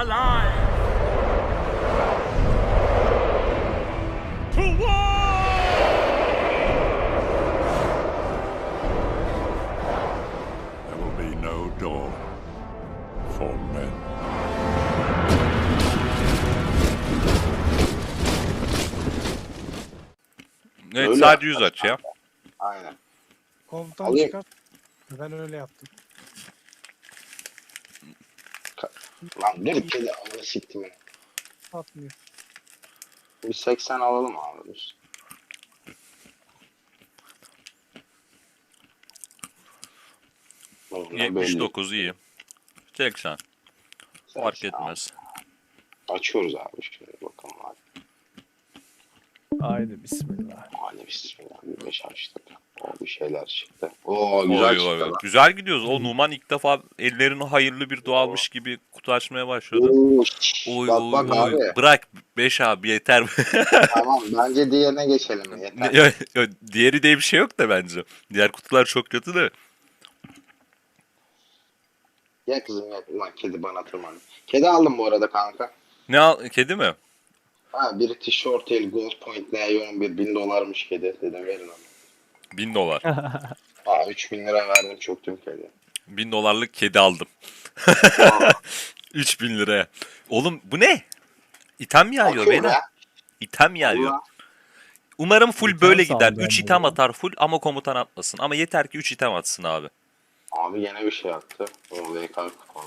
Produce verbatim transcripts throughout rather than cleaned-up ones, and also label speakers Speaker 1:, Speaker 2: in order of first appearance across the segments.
Speaker 1: alive! To war! There will be no dawn for men.
Speaker 2: Evet,
Speaker 3: Öyle
Speaker 2: sadece yüz
Speaker 3: yapacağız
Speaker 2: aç ya.
Speaker 3: Aynen.
Speaker 4: Komutan
Speaker 3: Alayım.
Speaker 4: çıkar. Ben öyle yaptım.
Speaker 3: Lan dur kedi amına siktim ya.
Speaker 4: Atmıyor.
Speaker 3: Bir seksen alalım abi biz. Bunlar
Speaker 2: yetmiş
Speaker 3: belli.
Speaker 2: dokuz iyi. seksen. Fark
Speaker 3: seksen.
Speaker 2: etmez.
Speaker 3: Açıyoruz abi şimdi bakalım abi.
Speaker 5: Haydi bismillah.
Speaker 3: Hadi bismillah bir beş açtık. O bir şeyler çıktı. Oo güzel
Speaker 2: Oy,
Speaker 3: çıktı
Speaker 2: oy, oy.
Speaker 3: lan.
Speaker 2: Güzel gidiyoruz. O Numan ilk defa ellerini hayırlı bir dua almış gibi kutu açmaya başladı.
Speaker 3: Oo, şşş,
Speaker 2: Oy
Speaker 3: bak
Speaker 2: oy
Speaker 3: bak
Speaker 2: oy.
Speaker 3: abi.
Speaker 2: Bırak beş abi yeter.
Speaker 3: Tamam bence diğerine geçelim. Yeter.
Speaker 2: Ya- ya Diğeri diye bir şey yok da bence. Diğer kutular çok kötü de.
Speaker 3: Gel kızım gel. Ulan kedi bana tırmandı. Kedi aldım bu arada kanka.
Speaker 2: Ne al? Kedi mi?
Speaker 3: Ha biri tişört el Gold Point Neon bir bin dolarmış kedi. Dedim verin onu.
Speaker 2: Bin dolar.
Speaker 3: Aa üç bin lira verdim çöktüm kedi.
Speaker 2: Bin dolarlık kedi aldım.
Speaker 3: Aa,
Speaker 2: Üç bin liraya. Oğlum bu ne? İtem yağıyor
Speaker 3: akıyor
Speaker 2: beyler.
Speaker 3: be.
Speaker 2: İtem yağıyor.
Speaker 3: Allah.
Speaker 2: Umarım full
Speaker 5: İtem
Speaker 2: böyle gider.
Speaker 5: sandım
Speaker 2: üç
Speaker 5: ben
Speaker 2: item
Speaker 5: de.
Speaker 2: atar full ama komutan atmasın. Ama yeter ki üç item atsın abi.
Speaker 3: Abi yine bir şey attı. O V K kuponu.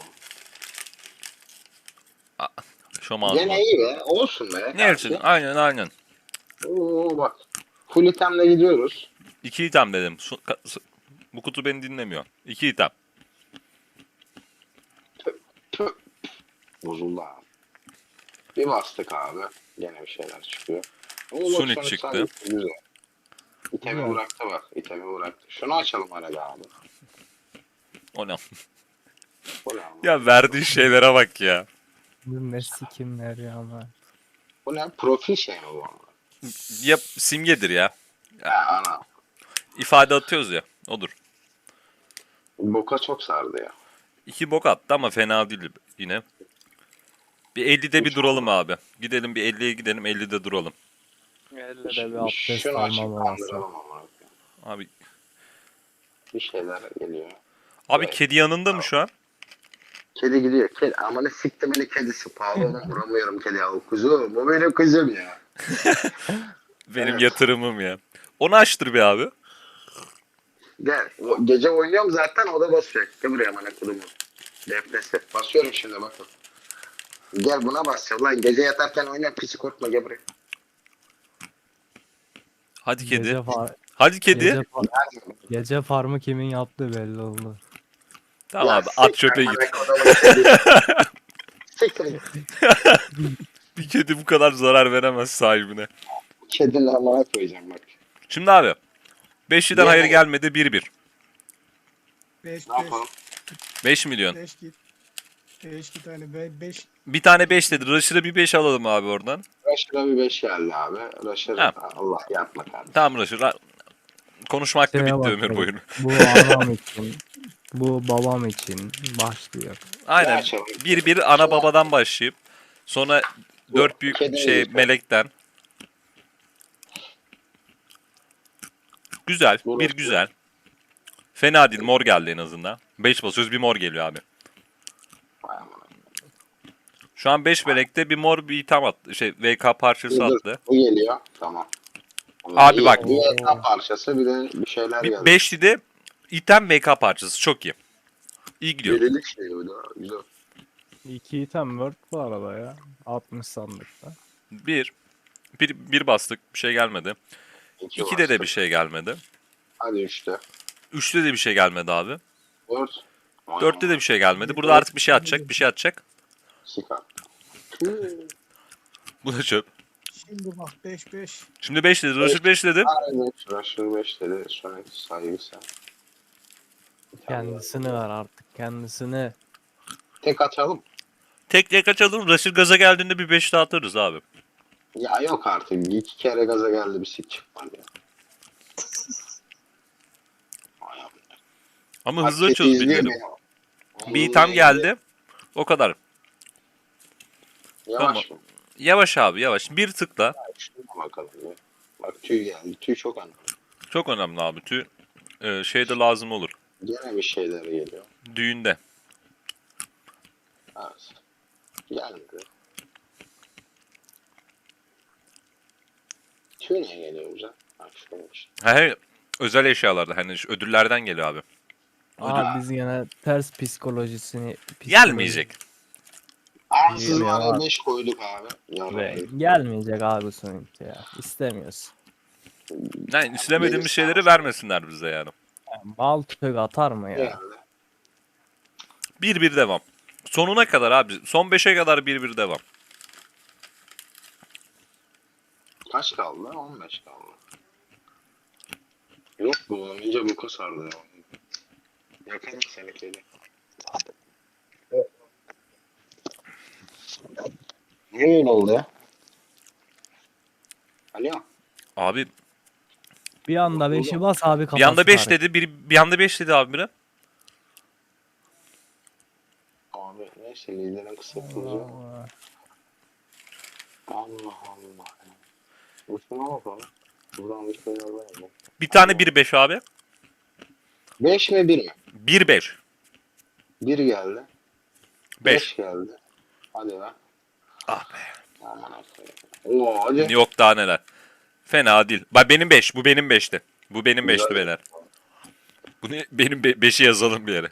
Speaker 2: Şom ağzıma.
Speaker 3: Gene iyi be. Olsun be.
Speaker 2: Ne için? Aynen aynen.
Speaker 3: Oo bak. Full itemle gidiyoruz.
Speaker 2: İki item dedim. Su- ka- su- Bu kutu beni dinlemiyor. İki item.
Speaker 3: Tüh. Bozuldu abi. Bir bastık abi. Gene bir şeyler çıkıyor. Oo, bak,
Speaker 2: Sonic
Speaker 3: Sonic
Speaker 2: çıktı.
Speaker 3: sandık güzel. İtemi
Speaker 5: Güzel.
Speaker 3: bıraktı bak. İtemi bıraktı. Şunu açalım arada abi.
Speaker 2: O ne?
Speaker 3: Bu ne abi?
Speaker 2: Ya verdiği şeylere bak ya.
Speaker 5: Bu ne sikimler ya ama.
Speaker 3: Bu ne? Profil şey mi bu?
Speaker 2: Ya simgedir ya.
Speaker 3: Ha ana.
Speaker 2: İfade atıyoruz ya. Odur.
Speaker 3: Boka çok sardı ya.
Speaker 2: İki bok attı ama fena değil yine. Bir ellide bir duralım abi. Gidelim bir elliye gidelim ellide duralım.
Speaker 5: Elle bir abdest
Speaker 3: Şunu açıp
Speaker 5: almam lazım.
Speaker 3: kandıralım ama.
Speaker 2: Abi
Speaker 3: Bir şeyler geliyor.
Speaker 2: abi
Speaker 3: Evet.
Speaker 2: kedi yanında mı şu an?
Speaker 3: Kedi gidiyor. Kedi. Amanı siktim beni kedisi. Pahalı olan vuramıyorum kedi ya. O kuzum. O benim kızım ya.
Speaker 2: Benim
Speaker 3: Evet.
Speaker 2: yatırımım ya. Onu açtır bir abi.
Speaker 3: Gel. O, gece oynuyorum zaten o da basıyor. Gel buraya amına kudumu. Defnesi. Basıyorum şimdi bakın. Gel buna basacağım lan. Gece yatarken oynuyorum. Pisi korkma gel buraya.
Speaker 2: Hadi kedi.
Speaker 5: Gece, far-
Speaker 2: Hadi kedi.
Speaker 5: gece, far- gece farmı kimin yaptığı belli oldu.
Speaker 2: Tamam
Speaker 3: Ya
Speaker 2: abi at
Speaker 3: siktir
Speaker 2: çöpe git.
Speaker 3: amına kodumu kedi. Siktir git.
Speaker 2: Bir kedi bu kadar zarar veremez sahibine.
Speaker 3: Kedinin amına koyacağım bak.
Speaker 2: Şimdi abi. Beşliden
Speaker 3: Ne?
Speaker 2: hayır gelmedi bir bir.
Speaker 4: beş
Speaker 3: Ne yapalım?
Speaker 2: beş milyon.
Speaker 4: beş git. beş git hani beş
Speaker 2: Bir tane beş dedi. Rush'ı bir beş alalım abi oradan.
Speaker 3: Rush'da bir beş geldi abi. Rush'da
Speaker 2: Ha.
Speaker 3: Allah yapma kardeşim.
Speaker 2: Tamam Rush'ı. Ra- Konuşmakla
Speaker 5: Şeye
Speaker 2: bitti ömür
Speaker 5: bakalım.
Speaker 2: boyunu.
Speaker 5: Bu anam için. Bu babam için başlıyor.
Speaker 2: Aynen.
Speaker 3: açalım.
Speaker 2: Bir bir ana babadan başlayıp sonra
Speaker 3: Bu
Speaker 2: dört büyük
Speaker 3: kedi
Speaker 2: şey
Speaker 3: değil.
Speaker 2: melekten. Güzel.
Speaker 3: Bu
Speaker 2: Bir
Speaker 3: nasıl?
Speaker 2: güzel. Fena değil. Mor geldi en azından. beş basıyoruz bir mor geliyor abi.
Speaker 3: Vay amına.
Speaker 2: Şu an beş melekte bir mor bir item attı. Şey V K parçası
Speaker 3: Dur, dur.
Speaker 2: attı.
Speaker 3: Bu geliyor. Tamam.
Speaker 2: Abi
Speaker 3: İyi,
Speaker 2: bak.
Speaker 3: Bir ekran parçası bir de bir şeyler
Speaker 2: Bir
Speaker 3: geldi.
Speaker 2: beşli de item V K parçası. Çok iyi. İyi gidiyor.
Speaker 3: Birilik şey bu da. Güzel.
Speaker 5: İki item word bu arada ya. altmış sandıkta.
Speaker 2: Bir. Bir, bir bastık. Bir şey gelmedi.
Speaker 3: İki
Speaker 2: İkide de
Speaker 3: bastık.
Speaker 2: bir şey gelmedi.
Speaker 3: Hadi üçte.
Speaker 2: Üçte de bir şey gelmedi abi.
Speaker 3: Dört. Vay
Speaker 2: Dörtte de
Speaker 3: amına.
Speaker 2: bir şey gelmedi. Burada artık bir şey atacak. Bir şey atacak.
Speaker 3: Sikar.
Speaker 2: Bu da çöp.
Speaker 4: şimdi bak beş beş.
Speaker 2: Şimdi beş dedi. Rush'ı beş dedi.
Speaker 3: Aynen. Rusher beş dedi. Sonic saygısı.
Speaker 5: Kendisini ver artık kendisini.
Speaker 3: Tek açalım.
Speaker 2: Tek tek açalım. Rush'ı gaza geldiğinde bir beş daha atarız abi.
Speaker 3: Ya yok artık. İki kere gaza geldi bir sik çıkmadı ya. Vay amına.
Speaker 2: Ama
Speaker 3: Bak,
Speaker 2: hızlı
Speaker 3: kedi
Speaker 2: açıyoruz
Speaker 3: izliyor
Speaker 2: bildirim.
Speaker 3: beni.
Speaker 2: Bir item geldi. O kadar.
Speaker 3: Yavaş mı?
Speaker 2: Yavaş abi yavaş. Bir tıkla.
Speaker 3: Şuna bakalım ya. Bak tüy geldi. Tüy çok önemli.
Speaker 2: Çok önemli abi. Tüy e, şeyde lazım olur.
Speaker 3: Gene bir şeyler geliyor.
Speaker 2: Düğünde.
Speaker 3: Evet. Gelmedi. Tüy niye geliyor güzel? Bak şuymuş.
Speaker 2: He, özel eşyalarda hani şu ödüllerden geliyor abi.
Speaker 5: Abi biz yine ters psikolojisini
Speaker 2: Gelmeyecek.
Speaker 3: Ansız
Speaker 5: Geliyor
Speaker 3: var
Speaker 5: abi.
Speaker 3: beş koyduk abi.
Speaker 5: Ve
Speaker 3: Yarın.
Speaker 5: gelmeyecek abi sonuçta ya. İstemiyoruz.
Speaker 2: Yani istemediğimiz
Speaker 3: Gelirse
Speaker 2: şeyleri
Speaker 3: alsın.
Speaker 2: vermesinler bize yani.
Speaker 5: Yani bal tüfek atar mı ya?
Speaker 3: Geldi.
Speaker 2: Bir bir devam. Sonuna kadar abi. Son beşe kadar bir bir devam.
Speaker 3: Kaç kaldı? on beş kaldı. Yok bu iyice bu sardı ya. Yakarım seni kedi. Niye öyle oldu ya? Alo.
Speaker 2: Abi
Speaker 5: Bir anda beşi bas abi kafası.
Speaker 2: bir anda beş
Speaker 5: karıştı.
Speaker 2: dedi. Bir, bir anda beş dedi abi biri.
Speaker 3: Abi neyse liderin kısaltılacak.
Speaker 5: Allah.
Speaker 3: Allah Allah. Uçuna bakalım. Buradan bir şeyler var mı?
Speaker 2: Bir tane bir beş abi.
Speaker 3: beş mi bir mi?
Speaker 2: Bir beş.
Speaker 3: bir geldi.
Speaker 2: beş.
Speaker 3: beş geldi. Hadi lan.
Speaker 2: Ah be.
Speaker 3: Aman akıyım. Oo hadi.
Speaker 2: Yok daha neler. Fena değil. Bak benim beş. Bu benim beşti. Bu benim beşti
Speaker 3: Güzel.
Speaker 2: beyler. Bunu benim be- beşi yazalım bir yere.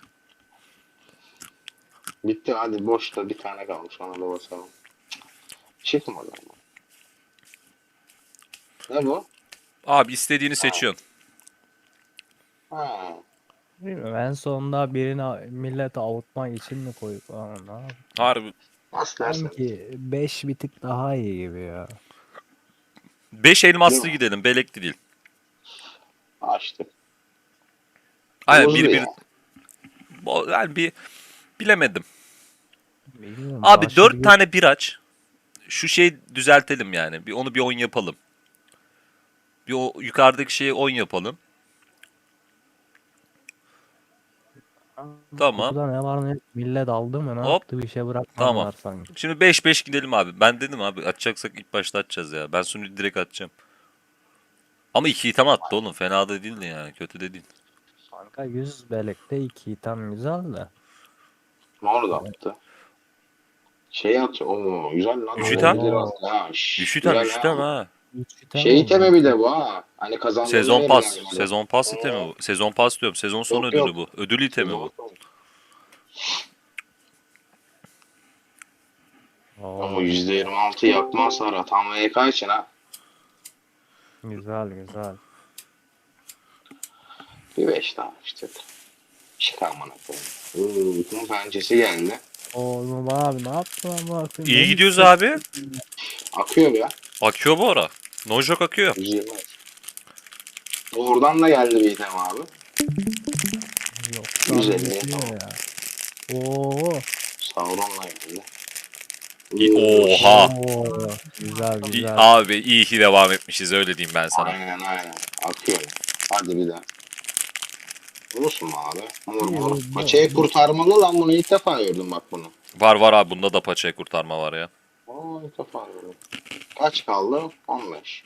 Speaker 3: Bitti hadi boşta bir tane kalmış ona da basalım. Çıkmadı ama. Ne bu?
Speaker 2: Abi istediğini seçiyorsun.
Speaker 3: Ha.
Speaker 5: Bilmiyorum, en sonunda birini millet avutmak için mi koyup ama ne yapayım?
Speaker 2: Harbi.
Speaker 3: Nasıl dersin?
Speaker 5: Sanki beş bir tık daha iyi gibi ya.
Speaker 2: beş elmaslı
Speaker 3: Değil mi?
Speaker 2: gidelim. Belekli değil.
Speaker 3: Açtık.
Speaker 2: Aynen
Speaker 3: Bozdu
Speaker 2: bir bir.
Speaker 3: ya.
Speaker 2: Bo- Yani bir bilemedim.
Speaker 5: Bilmiyorum,
Speaker 2: Abi
Speaker 5: başı
Speaker 2: dört
Speaker 5: bir-
Speaker 2: tane bir aç. Şu şeyi düzeltelim yani. Bir onu bir on yapalım. Bir o yukarıdaki şeyi on yapalım. Tamam.
Speaker 5: Kutuda ne var ne millet aldı mı ne
Speaker 2: Hop.
Speaker 5: yaptı bir şey bırakmadılar
Speaker 2: Tamam.
Speaker 5: sanki.
Speaker 2: Şimdi beş beş gidelim abi. Ben dedim abi açacaksak ilk başta açacağız ya. Ben sunucu direkt atacağım. Ama iki item attı oğlum. Fena da değildi yani. Kötü de değil.
Speaker 5: Kanka yüz belekte iki tam güzel de.
Speaker 3: Mor da attı. Şey atıyor. Oo güzel lan.
Speaker 2: Üç
Speaker 3: Oo,
Speaker 2: item.
Speaker 3: güzel attı ha. Şş,
Speaker 2: Üç item
Speaker 3: güzel
Speaker 2: üç
Speaker 3: ha.
Speaker 2: item ha.
Speaker 5: Üç item
Speaker 3: Şey
Speaker 5: oldu.
Speaker 3: itemi bir de bu ha. Hani kazandığında
Speaker 2: Sezon pas.
Speaker 3: verilen yani.
Speaker 2: Sezon pas itemi bu. Sezon pas diyorum. Sezon son
Speaker 3: Yok,
Speaker 2: ödülü
Speaker 3: yok.
Speaker 2: bu. Ödül itemi
Speaker 3: Sezon
Speaker 2: bu.
Speaker 3: sonu.
Speaker 5: Oo,
Speaker 3: Ama yüzde yirmi altı yakma hasarı. Tam V K için ha.
Speaker 5: güzel güzel.
Speaker 3: Bir beş daha işte. Çık amına koyayım. Oo, bütün pençesi geldi.
Speaker 5: Oğlum abi ne yaptın ama?
Speaker 2: İyi gidiyoruz abi.
Speaker 3: Akıyor ya.
Speaker 2: Akıyor bu ara. Nojok akıyor.
Speaker 3: yüz yirmi. Oradan da geldi bir item abi.
Speaker 5: Yok.
Speaker 3: Güzel
Speaker 5: Güzel
Speaker 3: ya.
Speaker 5: ya. Oo.
Speaker 3: Sauron'la geldi.
Speaker 2: İ- Oha.
Speaker 5: Oo. Güzel
Speaker 2: İyi-
Speaker 5: güzel.
Speaker 2: Abi iyi ki devam etmişiz öyle diyeyim ben sana.
Speaker 3: Aynen aynen. Akıyor. Hadi bir daha. Olsun mu abi? Mor mor.
Speaker 5: İyi,
Speaker 3: Paçayı kurtarmalı lan bunu ilk defa gördüm bak bunu.
Speaker 2: Var var abi bunda da paçaya kurtarma var ya.
Speaker 3: Aa ilk defa gördüm. Kaç kaldı? on beş.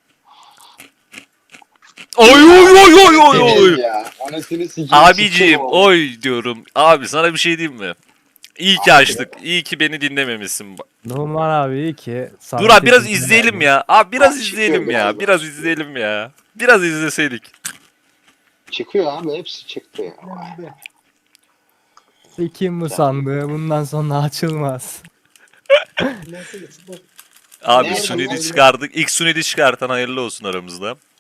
Speaker 2: Oy oy oy oy oy oy.
Speaker 3: Evet ya. Anasını sikeyim.
Speaker 2: Abiciğim
Speaker 3: sikeyim oğlum.
Speaker 2: oy diyorum. Abi sana bir şey diyeyim mi? İyi ki açtık. İyi ki beni dinlememişsin.
Speaker 5: Numan abi iyi ki. sana
Speaker 2: Dur abi biraz
Speaker 5: teşekkür
Speaker 2: izleyelim
Speaker 5: ederim.
Speaker 2: ya. Abi biraz
Speaker 3: Bak,
Speaker 2: izleyelim
Speaker 3: çıkıyor
Speaker 2: ya.
Speaker 3: biraz
Speaker 2: Biraz
Speaker 3: daha.
Speaker 2: izleyelim ya. Biraz izleseydik.
Speaker 3: Çıkıyor abi hepsi çıktı ya. Vay.
Speaker 4: Ben de.
Speaker 5: Kim bu sandığı bundan sonra açılmaz.
Speaker 4: Nasıl? Bu-
Speaker 2: Abi
Speaker 3: Nerede
Speaker 2: Sunid'i
Speaker 3: lan?
Speaker 2: çıkardık. İlk Sunid'i çıkartan hayırlı olsun aramızda.